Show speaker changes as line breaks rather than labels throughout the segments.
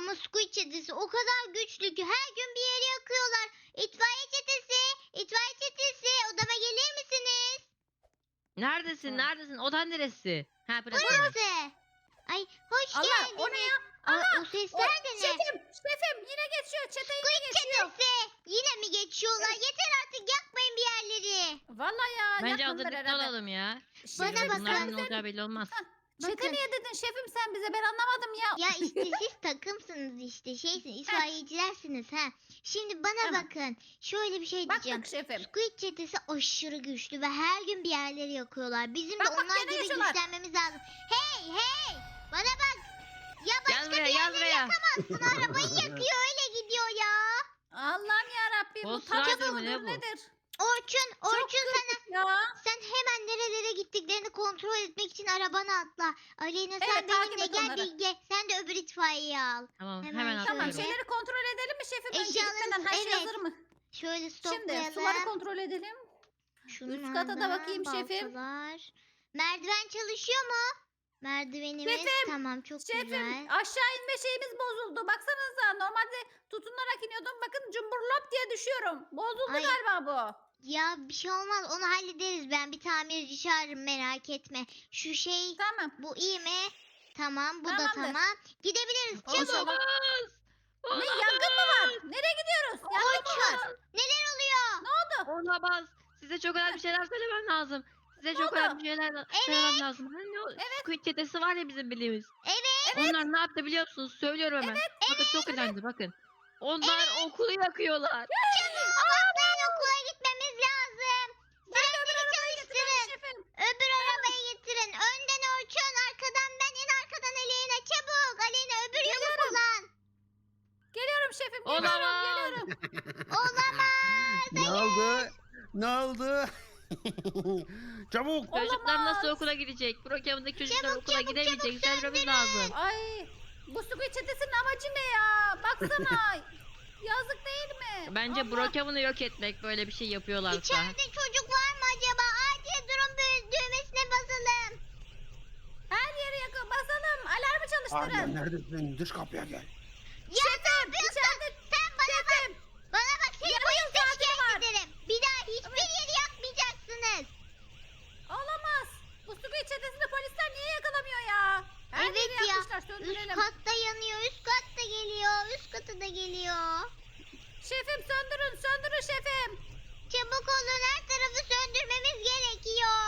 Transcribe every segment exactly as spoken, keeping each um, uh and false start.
Ama Squid çetesi o kadar güçlü ki her gün bir yeri yakıyorlar. İtfaiye çetesi, itfaiye çetesi odama gelir misiniz?
Neredesin?
Ha.
Neredesin? Odan neresi? Ha burası.
Burası. Ay hoş
Allah,
geldiniz.
o ne ya?
Aa, o sesler de ne?
Şefim, şefim yine geçiyor. Çete yine
Squid
geçiyor.
çetesi. Yine mi geçiyorlar? Yeter artık yakmayın bir yerleri.
Vallahi ya.
Bence
yapmadılar
hazırlıklı
herhalde.
olalım ya.
Bana
Şefim,
bakın.
Bunların
sen
ne olacağı belli olmaz.
Çete
Bakın.
niye dedin şefim sen bize? Ben anlamadım ya.
Ya işte siz takımsınız işte şeysiniz itfaiyecilersiniz ha. Şimdi bana
Tamam.
bakın şöyle bir şey diyeceğim.
Baktık şefim.
Squid çetesi aşırı güçlü ve her gün bir yerleri yakıyorlar. Bizim
Bak,
de
bak,
onlar
gene
gibi
yaşıyorlar.
güçlenmemiz lazım. Hey hey bana bak. Ya başka
Gel buraya,
bir
gel
yerleri
buraya.
yakamazsın. Arabayı yakıyor öyle gidiyor ya.
Allah'ım yarabbim. Bu
Ghost
tatlı
Rider mı, ne
mıdır
bu?
nedir?
Orçun,
Çok
Orçun sana
kritik ya.
sen hemen nerelere gittiklerini kontrol etmek için arabana atla. Aleyna sen
Evet, takip
benimle
et
gel
onları.
Bilge. Sen de öbür itfaiyeyi al.
Tamam
Hemen
hemen
şöyle.
Tamam
atlıyorum.
şeyleri kontrol edelim mi şefim? Önce
Eşyalarınız-
gitmeden her şey
evet.
hazır mı?
Şöyle
Şimdi
stoplayalım.
suları kontrol edelim.
Şunlardan
kata da bakayım şefim.
baltalar. Merdiven çalışıyor mu? Merdivenimiz
Şefim,
tamam çok
Şefim
güzel.
aşağı inme şeyimiz bozuldu. Baksanıza normalde tutunarak iniyordum. Bakın cumburlop diye düşüyorum. Bozuldu
Ay.
galiba bu.
Ya bir şey olmaz onu hallederiz ben bir tamirci çağırırım merak etme. Şu şey
Tamam.
bu iyi mi? Tamam bu da
Tamamdır.
tamam. Gidebiliriz çabuk.
Olamaz.
Ne yangın mı var? Nereye gidiyoruz? Yangın mı var?
Orçun neler oluyor?
Olamaz. Size çok önemli şeyler söylemem lazım. Size çok
oldu?
önemli şeyler söylemem lazım. Hani o Squid çetesi var ya bizim bildiğimiz.
Evet.
Onlar ne yaptı biliyor musunuz? Söylüyorum hemen. Bakın çok önemli bakın. Onlar okulu yakıyorlar.
Çabuk atlayın okula gitmemiz lazım. Sirenleri çalıştırın.
Şefim.
Öbür arabayı getirin. Önden Orçun, arkadan ben, en arkadan Aleyna. Çabuk. Aleyna öbür yolu
Geliyorum.
kullan.
Geliyorum şefim. Geliyorum.
Olamaz.
Geliyorum.
Olamaz.
Ne oldu? Ne oldu? Çabuk.
Çocuklar nasıl
Olamaz.
okula gidecek? Brokeman'daki çocuklar
Çabuk,
okula
çabuk,
gidemeyecek.
çabuk
Söylememiz
söndürün.
lazım.
Ay. Bu Squid çetesinin amacı ne ya? Baksana. Yazık değil mi?
Bence
Allah.
Brokeman'ı yok etmek böyle bir şey yapıyorlarsa.
İçeride çocuk var mı acaba? Acil durum dü- düğmesine basalım.
Her yeri yakın. Basalım. Alarmı
Arya
çalıştırın.
neredesin? Dış kapıya gel.
Ya ne yapıyorsun?
içeride-
Sen bana bak. Bana bak seni
Yarım
polise
saati
şikayet
var.
ederim. Bir daha hiçbir yeri yakmayacaksınız.
Olamaz. Bu Squid çetesini polisler niye yakalamıyor ya? Her
Evet
yeri
ya.
yakmışlar.
Üst
Söndürelim.
katta yanıyor, üst katta geliyor, üst katı da geliyor.
Şefim söndürün. Söndürün şefim.
Çabuk olun her tarafı söndürmemiz gerekiyor.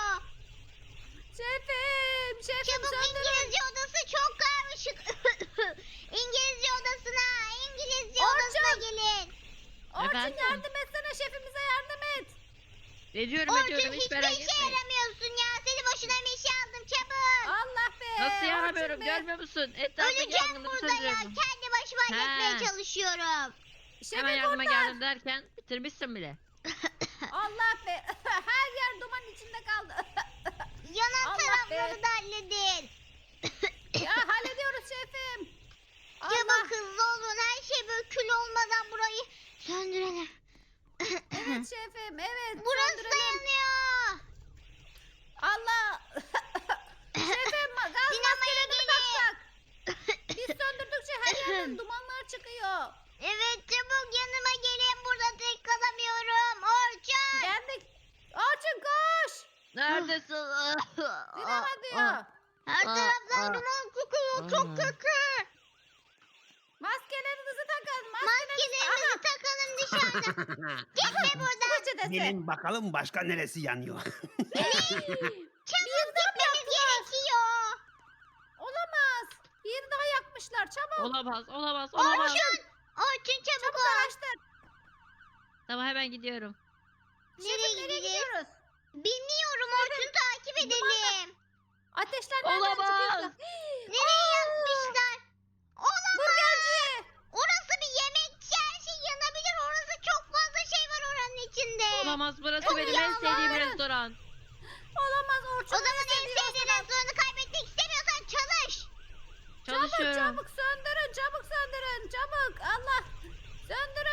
Şefim. Şefim
Çabuk
söndürün.
İngilizce odası çok karmaşık. İngilizce odasına, İngilizce
Orçun.
odasına gelin.
Orçun
Efendim?
yardım etsene. Şefimize yardım et.
Ediyorum
Orçun
ediyorum hiç
hiçbir
merak
işe
etmeyin.
yaramıyorsun ya. Seni boşuna bir işe aldım çabuk.
Allah be.
Nasıl yaramıyorum
Orçun be.
görmüyor musun? Etraftaki
Öleceğim
yangınları
burada ya.
söndürüyorum.
Kendi başıma halletmeye
He.
çalışıyorum.
Şefim
Hemen yardıma
kurtar.
geldim derken bitirmişsin bile.
Allah be. Her yer duman içinde kaldı.
Yanan
Allah
tarafları
be.
da halledin.
Ya hallediyoruz şefim. Allah.
Çabuk hızlı olun. Her şey böyle kül olmadan burayı söndürelim.
Evet şefim. Evet.
Burası
söndürelim.
da yanıyor.
Allah. Şefim gaz
Sinemaya
maskelerini
gelin.
taksak. Biz söndürdükçe her yerden dumanlar çıkıyor.
Evet çabuk yanıma gelin. Burada tek kalamıyorum. Orçun.
Geldik. Orçun koş.
Neredesin?
Sinema diyor.
Her
Aa,
taraftan
aa.
duman çıkıyor. Çok
Aa.
kötü.
Maskelerinizi takın. Maskelerinizi.
Maskelerimizi takalım dışarıda. Gitme buradan.
Aha. Çetesi.
Gelin bakalım başka neresi yanıyor.
Çabuk gitmemiz gerekiyor.
Olamaz. Bir daha yakmışlar. Çabuk.
Olamaz olamaz olamaz.
Orçun. Orçun çabuk
Çabuk
ol.
araştır.
Tamam hemen gidiyorum.
Nereye
Şefim, nereye
gideceğiz?
gidiyoruz?
Bilmiyorum Orçun takip edelim.
Ateşler nereden
Olamaz.
çıkıyorsa.
Nereye yakmışlar? Olamaz.
Burgerci.
Orası bir yemekçi. Her şey yanabilir. Orası çok fazla şey var oranın içinde.
Olamaz burası
Çok
benim en sevdiğim
yalvarırım.
restoran.
Olamaz Orçun.
O zaman en sevdiğin restoranı kaybetmek istemiyorsan çalış.
Çabuk
Çalışıyorum.
çabuk söndürün. Çabuk söndürün. Çabuk. Allah. Söndürün.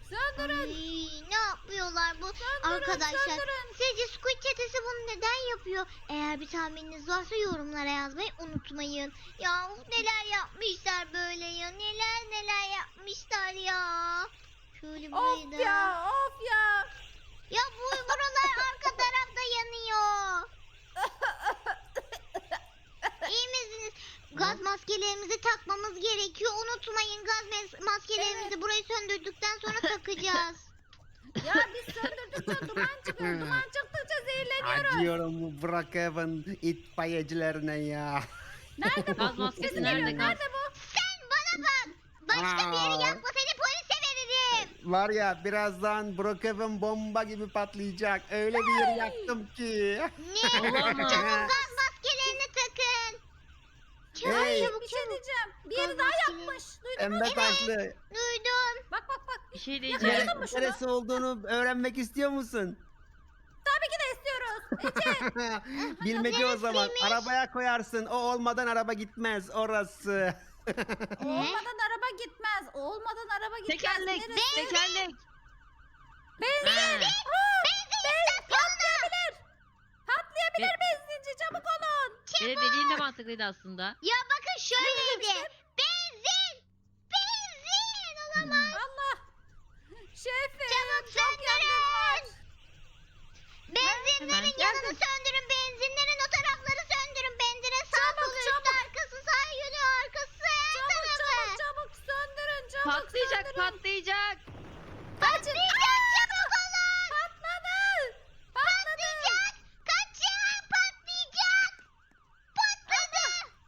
Söndürün.
Ay, ne yapıyorlar bu?
Söndürün,
Arkadaşlar
söndürün.
sizce Squid çetesi bunu neden yapıyor? Eğer bir tahmininiz varsa yorumlara yazmayı unutmayın. Ya uf, neler yapmışlar böyle ya. Neler neler yapmışlar ya. Şöyle burayı
Of
da.
ya, of ya.
Ya bu buralar arka tarafta yanıyor. İyi misiniz? Gaz maskelerimizi takmamız gerekiyor. Unutmayın gaz mes- maskelerimizi burayı söndürdükten sonra takacağız.
Ya biz söndürdükçe duman çıkıyor. Duman çıktıkça zehirleniyoruz.
Acıyorum bu Brookhaven itfaiyecilerine ya.
Nerede bu?
Gaz maskesi
Sesim
nerede?
geliyor.
Gaz.
Nerede bu?
Sen bana bak. Başka bir yeri
Aa.
yakma seni polise veririm.
Var ya birazdan Brookhaven bomba gibi patlayacak. Öyle bir yer yaktım ki.
Ne?
Olamaz.
Çabuk gaz maskelerini takın. Çabuk
Hey.
çabuk
Bir şey
çabuk.
diyeceğim. Bir yeri
Gaz
daha
maskeleri.
yakmış. Duydun mu?
Pembe taşlı.
Duydum.
Bak bak bak.
Bir şey
Nere-
diyeceğim.
Yakaladım mı şunu?
neresi olduğunu öğrenmek istiyor musun?
Tabii ki de istiyoruz. Ece.
Bilmece o zaman.
Neresiymiş?
Arabaya koyarsın. O olmadan araba gitmez. Orası.
Olmadan araba gitmez. Olmadan araba gitmez.
Tekerlek.
Neresi?
Tekerlek.
Benzin.
Ha.
Aa, benzin patlayabilir. Patlayabilir
Be-
benzinci. Çabuk olun.
Benim dediğin de mantıklıydı aslında.
Ya bakın şöyleydi. Benzin. Benzin. Olamaz.
Allah. Şefim.
Çabuk
Çok yangın var.
Benzinlerin
Hemen.
yanını
Geldim.
söndürün. Benzinlerin o tarafları söndürün. Benzine sağ
Çabuk,
solu üstü
çabuk.
arkası sağ yönü arkası her
Çabuk
tarafı.
çabuk çabuk söndürün. Çabuk
Patlayacak
söndürün.
patlayacak.
Patlayacak çabuk olun.
Patladı. Patladı.
Patlayacak. Kaçın patlayacak. Patladı.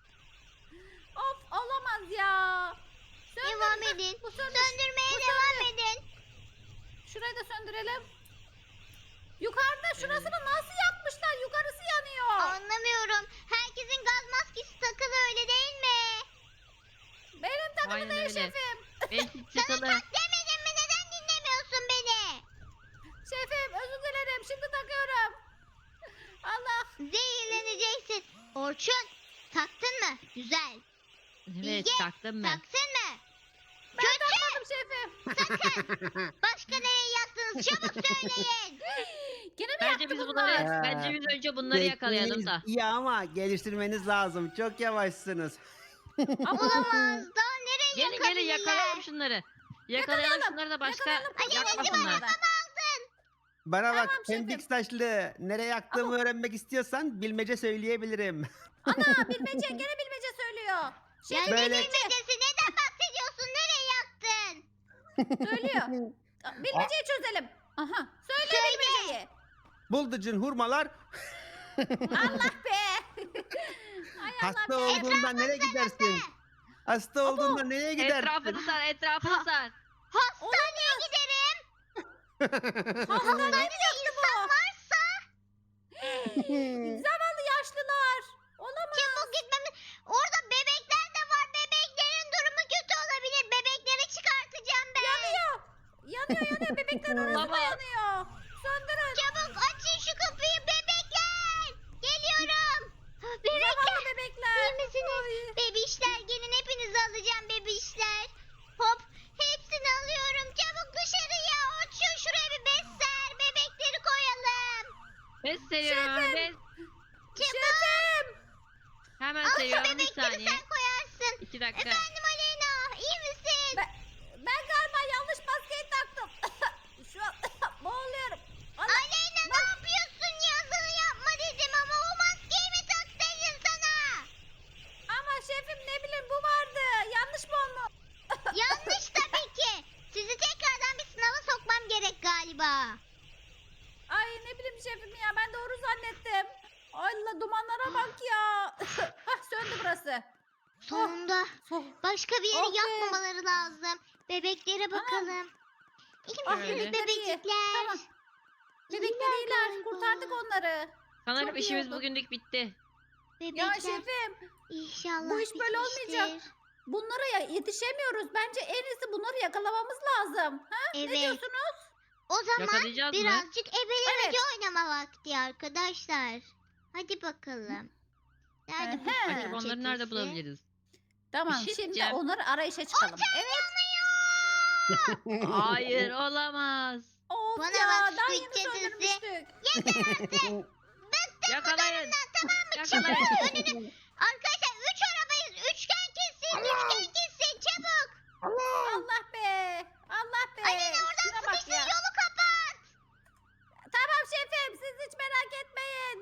Of olamaz ya. Söndür.
Devam
Heh,
edin.
Bu söndür.
Söndürmeye
Bu
devam
söndür.
edin.
Şurayı da söndürelim. Yukarıda şurasını nasıl yakmışlar? Yukarısı yanıyor.
Anlamıyorum. Herkesin gaz maskesi takılı öyle değil mi?
Benim takımı
Aynen
değil
öyle.
şefim.
Belki
Sana
çıkalı.
tak demedim mi? Neden dinlemiyorsun beni?
Şefim özür dilerim. Şimdi takıyorum. Allah.
Zehirleneceksin. Orçun taktın mı? Güzel.
Evet
Bilge,
taktım ben.
Taksın mı?
Ben takmadım şefim.
Sakın. Başka nereye yaktınız? Çabuk söyleyin.
Gene mi
Bence
yaktı
biz
bunlar?
bunları,
bunlar?
bence biz önce bunları yakalayalım
Tekniğiniz
da.
iyi ama geliştirmeniz lazım. Çok yavaşsınız.
Olamaz. Daha nereye
Gelin gelin
yakabilirler?
yakalayalım şunları. Yakalayalım
Yakalayalım,
şunları da başka
yakalayalım. Hadi, hadi,
yakmasınlar.
hadi.
Bana bak
Tamam şefim.
Pembik saçlı. Nereye yaktığımı öğrenmek istiyorsan bilmece söyleyebilirim.
Ana bilmece gene bilmece söylüyor.
Ya
Şefim
ne
Böyle-
bilmecesi? Neden bahsediyorsun? Nereye yaktın?
söylüyor. Bilmeceyi çözelim. Aha. Söyle,
Söyle.
bilmeceyi.
Bulducun hurmalar
Allah be. Ay Allah
hasta
be.
olduğunda nereye gidersin? Hasta olduğunda nereye gidersin?
Etrafını sar, etrafını sar.
Hastaneye giderim. Hastanede insan varsa
Zavallı yaşlılar. Olamaz.
çabuk gitmemiz. Orada bebekler de var. Bebeklerin durumu kötü olabilir. Bebekleri çıkartacağım ben.
Yanıyor. Yanıyor yanıyor. Bebekler orası da
Baba.
yanıyor. Söndürün.
Çabuk açın şu kapıyı bebekler. Geliyorum. Ha, Bebekler.
Zavallı bebekler.
İyi misiniz?
Ay.
Bebişler gelin hepinizi alacağım bebişler. Hop hepsini alıyorum. Çabuk dışarıya. Açın şuraya bir besler. Bebekleri koyalım.
Bez seriyorum hemen. Bez.
Şefim.
Hemen
Al şu
seriyorum bir
bebekleri
saniye.
sen koyarsın.
İki dakika.
Efendim Aleyna iyi misin?
Ben, ben galiba yanlış maskeyi taktım. Şu an boğuluyorum. Allah.
Aleyna ne yapıyorsun ya? Sana yapma dedim ama o maskeyi mi taksaydın sana?
Ama şefim ne bileyim bu vardı. Yanlış mı olmuş?
Yanlış tabii ki. Sizi tekrardan bir sınava sokmam gerek galiba.
Ay ne bileyim şefim ya ben doğru zannettim. Allah dumanlara bak ya. Hah söndü burası.
Sonunda
Oh.
başka bir yeri
Oh be.
yakmamaları lazım. Bebeklere bakalım. İyi
Ah,
misiniz
Öyle.
bebekler?
Tamam. Bebekler
İyiler
iyiler.
galiba.
Kurtardık onları.
Sanırım
Çok iyi
işimiz
oldu.
bugünlük bitti.
Bebekler
Ya şefim
inşallah
bu iş böyle
bitmiştir.
olmayacak. bunlara ya yetişemiyoruz. Bence en iyisi bunları yakalamamız lazım. Ha? Ne
Evet.
diyorsunuz?
O zaman
Yakalayacağız mı?
birazcık ebelemece
Evet.
oynama vakti arkadaşlar. Hadi bakalım. Nerede bu
Ehe.
Squid
Acaba onları nerede
çetesi?
bulabiliriz?
Tamam
Bir şey
şimdi
diyeceğim.
onları arayışa çıkalım.
Otel
Evet.
yanıyor.
Hayır olamaz.
Of
Bana
ya
bak
daha
Squid
yeni
cadısı.
söndürmüştük.
Yakalayın.
Tamam mı? Çıkın
Yakalayın.
önüne. Arkadaşlar üç arabayız. Üçgen kessin. Üçgen kessin. Çabuk.
Allah be. Allah be.
Aleyna oradan
Şuna bak
sıkıştın.
ya.
Yolu kapat.
Tamam şefim siz hiç merak etmeyin.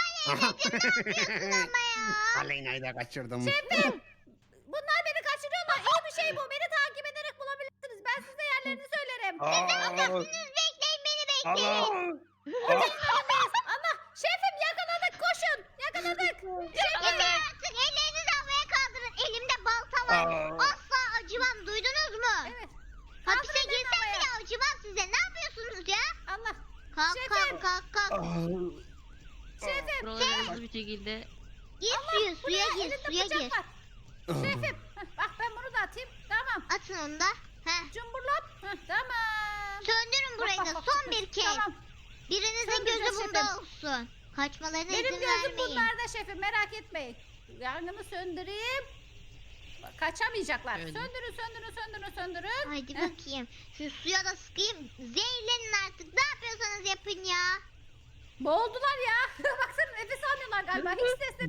Ama ya.
Aleyna'yı da kaçırdım.
Şefim. Bunlar beni kaçırıyorlar. İyi bir şey bu. Beni takip ederek bulabilirsiniz. Ben size yerlerini söylerim.
Aa,
Bekleyin beni bekleyin.
Allah.
Allah. Şefim yakaladık koşun. Yakaladık.
Yeter artık. Ellerinizi havaya kaldırın. Elimde balta var.
Aa.
Asla acımam. Duydunuz mu?
Evet.
Hapise
Kaldırın
girsem
elini
bile acımam size. Ne yapıyorsunuz ya?
Allah.
Kalk
Şefim.
kalk kalk kalk.
Şefim.
Buralara hızlı bir şekilde.
Gir suya
Bu
suya
ne?
gir
Elinde
suya
bıçak
gir.
var. Şefim. Heh, bak ben bunu da atayım. Tamam.
Atın onu da. Heh.
Cumburlop. Heh, tamam.
Söndürün burayı
Bak,
da
bak,
son
bak.
bir kez.
Tamam.
Birinizin
Söndüreceğiz
gözü bunda
şefim.
olsun. Kaçmalarına
Benim
izin
gözüm
vermeyin.
bunlarda şefim merak etmeyin. Yangını söndüreyim. Bak, kaçamayacaklar.
Öyle.
Söndürün söndürün söndürün söndürün.
Haydi
Heh.
bakayım. Şu suya da sıkayım. Zehirlenin artık. Ne yapıyorsanız yapın ya.
Boğuldular ya. Baksana nefes almıyorlar galiba. Hiç sesli.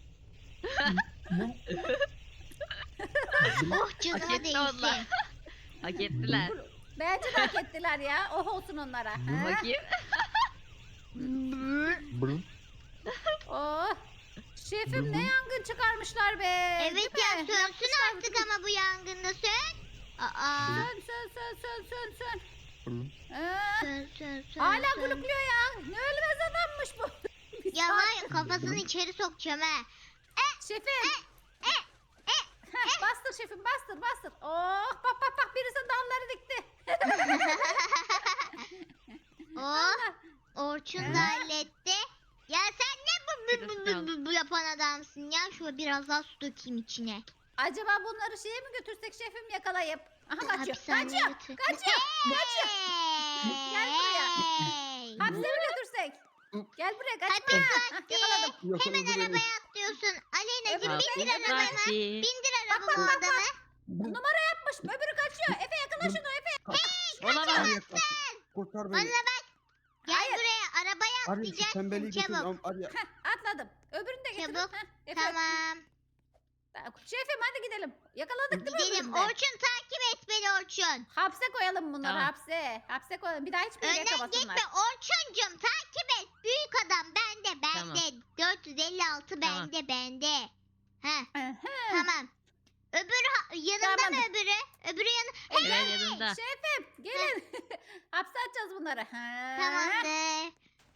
Oh
Hak
canına
etti onlar.
değsin.
Hak ettiler.
Bence de hak ettiler ya. Oh olsun onlara. Ha?
Bakayım.
Oh. Şefim ne yangın çıkarmışlar be.
Evet
Değil
ya
mi?
sönsün
Yakmışlar
artık
bütün-
ama bu yangında sön. Aa.
Sön sön sön sön sön sön. Ee,
Sön sön sön.
hala
sön.
gülüklüyor ya. Ne ölmez adammış bu. Bir
Ya
saat-
var ya kafasını içeri sokacağım ha.
Şefim. Heh, bastır şefim bastır bastır. Oh bak bak bak birisi dalları dikti.
Oh. Orçun da halletti. Ya sen ne bu, bu, bu, bu, bu, bu yapan adamsın ya? Şöyle biraz daha su dökeyim içine.
Acaba bunları şeye mi götürsek şefim yakalayıp? Aha kaçıyor.
Hapishaneye
Kaçıyor.
götür.
Kaçıyor. Kaçıyor. Gel buraya.
Hey!
Hapse mi götürsek? Gel buraya kaçma.
Hapis
Hah,
vakti.
yakaladım.
Hemen arabaya atlıyorsun. Aleyna'cığım
Evet,
bindir
evet,
arabana.
Hapis vakti.
Bindir
Bak,
arabama
bak,
o adamı.
Numara yapmış. Öbürü kaçıyor. Efe yakala şunu Efe.
Olamaz.
Kurtar
Bana
beni.
bak. Gel
Hayır.
buraya arabaya
Arya şu tembelliği
atlayacaksın
getir.
çabuk.
Arya.
Heh, atladım. Öbürünü de getirin.
Çabuk.
Heh, Efe.
Tamam.
Şefim hadi gidelim. Yakaladık değil mi
Gidelim.
öbürünü de?
Orçun takip et beni Orçun.
Hapse koyalım bunları
Tamam.
hapse. Hapse koyalım. Bir daha hiçbir yere
Önden
yakamasınlar.
gitme Orçuncum takip et. Büyük adam bende
Tamam.
bende. dört yüz elli altı
Tamam.
bende bende. Heh
Aha.
tamam. Öbürü ha- yanında
Tamam.
mı öbürü? Öbürü yanı.
Evet yanında.
Şefim gelin. Hapse atacağız bunları. Ha.
Tamamdır.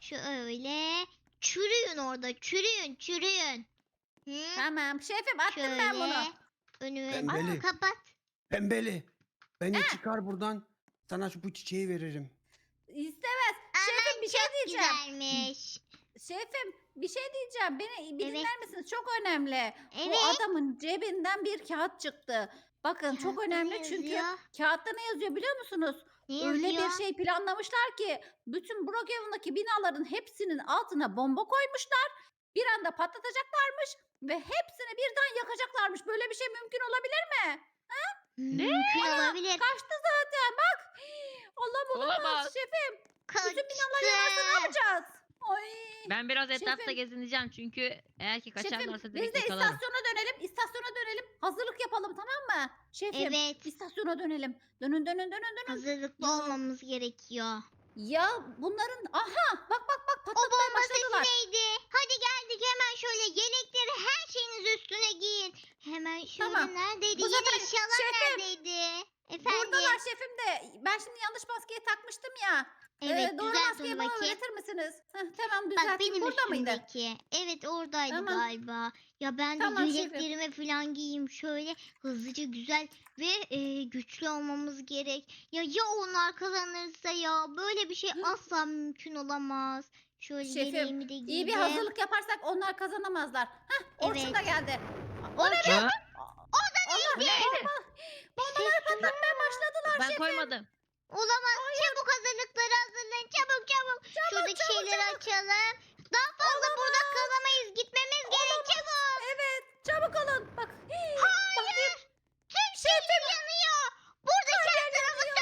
Şöyle. Çürüyün orada çürüyün çürüyün. Hı?
Tamam şefim attım
Şöyle.
ben bunu.
Önümü
Pembeli.
Aa, kapat.
Pembeli. Beni çıkar buradan. Sana şu bu çiçeği veririm.
İstemez. Şefim bir şey
Çok
diyeceğim.
güzelmiş.
Şefim bir şey diyeceğim. Beni bir
Evet.
dinler misiniz? Çok önemli.
Evet.
Bu adamın cebinden bir kağıt çıktı. Bakın çok
Kağıtta
önemli
ne
çünkü
yazıyor?
kağıtta ne yazıyor biliyor musunuz?
Ne
Öyle
yazıyor?
bir şey planlamışlar ki bütün Brookhaven'daki binaların hepsinin altına bomba koymuşlar. Bir anda patlatacaklarmış ve hepsini birden yakacaklarmış. Böyle bir şey mümkün olabilir mi?
Mümkün
Ana,
olabilir.
Kaçtı zaten bak. Allah olamaz
Olamaz.
şefim.
Kaçtı.
Bütün binalar yanarsa ne yapacağız? Ay.
Ben biraz etrafta
Şefim.
gezineceğim çünkü eğer ki
Şefim
kaçarlarsa
biz
direkt
de
yakalarım.
istasyona dönelim. İstasyona dönelim. Hazırlık yapalım tamam mı? Şefim
Evet.
istasyona dönelim. Dönün dönün dönün dönün.
Hazırlıklı
Ya.
olmamız gerekiyor.
Ya bunların aha bak bak bak
O
patlatmaya
bomba
başladılar.
sesi neydi? Hadi geldik hemen şöyle yelekleri her şeyiniz üstüne giyin. Hemen şöyle
Tamam.
neredeydi?
Bu
Yeni
sefer
eşyalar
şefim,
neredeydi? Efendim?
Buradalar şefim de ben şimdi yanlış maskeyi takmıştım ya.
Evet
Ee, doğru
düzelt
maskeyi
onu
bana
bakayım.
öğretir misiniz? Heh, tamam
Bak
düzelteyim.
benim
Burada mıydı?
üstümdeki. Evet oradaydı
Tamam.
galiba. Ya ben de
Tamam, şefim.
yeleklerimi falan giyeyim şöyle hızlıca güzel ve e, güçlü olmamız gerek. Ya ya onlar kazanırsa ya böyle bir şey asla mümkün olamaz. Şöyle
Şefim,
yeleğimi de giydim.
İyi bir hazırlık yaparsak onlar kazanamazlar. Heh Orçun
Evet.
da geldi.
Orçun
Ha?
Allah
Bu neydi?
bombalar patlatmaya başladılar
Ben
şefim.
koymadım.
olamaz. Çabuk hazırlıkları hazırlayın. Çabuk çabuk. Şuradaki
çabuk,
şeyleri
çabuk.
açalım. Daha fazla burada kalamayız. Gitmemiz gerek çabuk.
Evet çabuk olun. Bak. hii,
Hayır.
bakayım.
Tüm şehir yanıyor. Buradaki her tarafı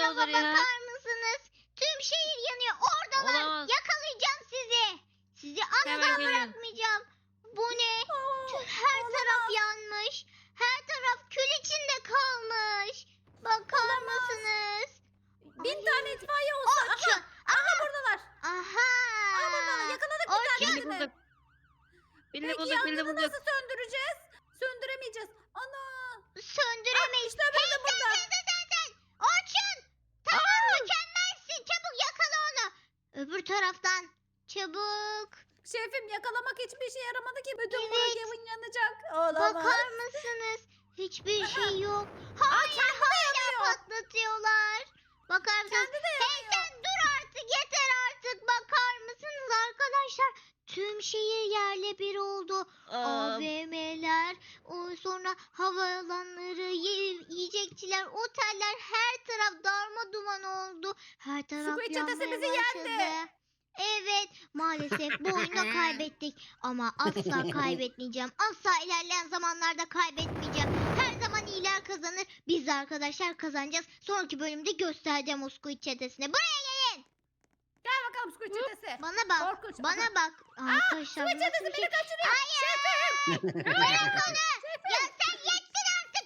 tarafa
olur ya?
bakar mısınız? Tüm şehir yanıyor. Oradalar.
Olamaz.
Yakalayacağım sizi. Sizi asla
Hemen geliyorum.
bırakmayacağım. Bu ne?
Aa,
Tüm her
olamaz.
taraf yanmış. Her taraf kül içinde kalmış. Bakar mısınız?
Bin
Ay.
tane itfaiye olsa. Aha,
Orçun.
aha buradalar.
Aha.
Aha buradalar. Yakaladık bir
Orçun.
Birini
tanesini.
bulduk. Birini
Peki
bulduk, birini
yangını
bulduk.
nasıl söndüreceğiz? Söndüremeyeceğiz. Ana.
Söndüremeyiz.
İşte öbürü de burada.
Sen sen sen sen. Orçun. Tamam mükemmelsin. Çabuk yakala onu. Öbür taraftan. Çabuk.
Şefim yakalamak hiçbir işe yaramadı ki. Bütün
Evet.
Brookhaven yanacak. Olamaz.
Bakar mısınız? Hiçbir
Aha.
şey yok.
Aa,
Hayır
kendi de
hala
yanıyor.
patlatıyorlar. Bakar mısınız?
Kendi de
Hey sen dur artık yeter artık. Bakar mısınız arkadaşlar? Tüm şehir yerle bir oldu.
Aa,
A V M'ler, o sonra havaalanları, ye- yiyecekçiler, oteller her taraf darma duman oldu. Her taraf
Squid çetesi
yanmaya
bizi
başladı.
yendi.
Evet, maalesef bu oyunu kaybettik. Ama asla kaybetmeyeceğim. Asla ilerleyen zamanlarda kaybetmeyeceğim. Her zaman iyiler kazanır. Biz de arkadaşlar kazanacağız. Sonraki bölümde göstereceğim o Squid çetesine. Buraya
Gel bakalım Squid çetesi.
bana bak.
Korkunç.
Bana bak. Arkadaşlar
Squid
bu nasıl
çetesi
bir
beni
şey?
kaçırıyor.
Hayır. Bırak onu. Ya sen yettin artık.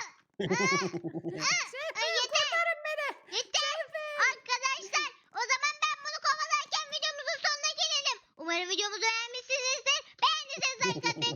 Şefim kurtarın beni.
Yeter. Arkadaşlar o zaman ben bunu kovalarken videomuzun sonuna gelelim. Umarım videomuzu beğenmişsinizdir. Beğendiyseniz like atmayı,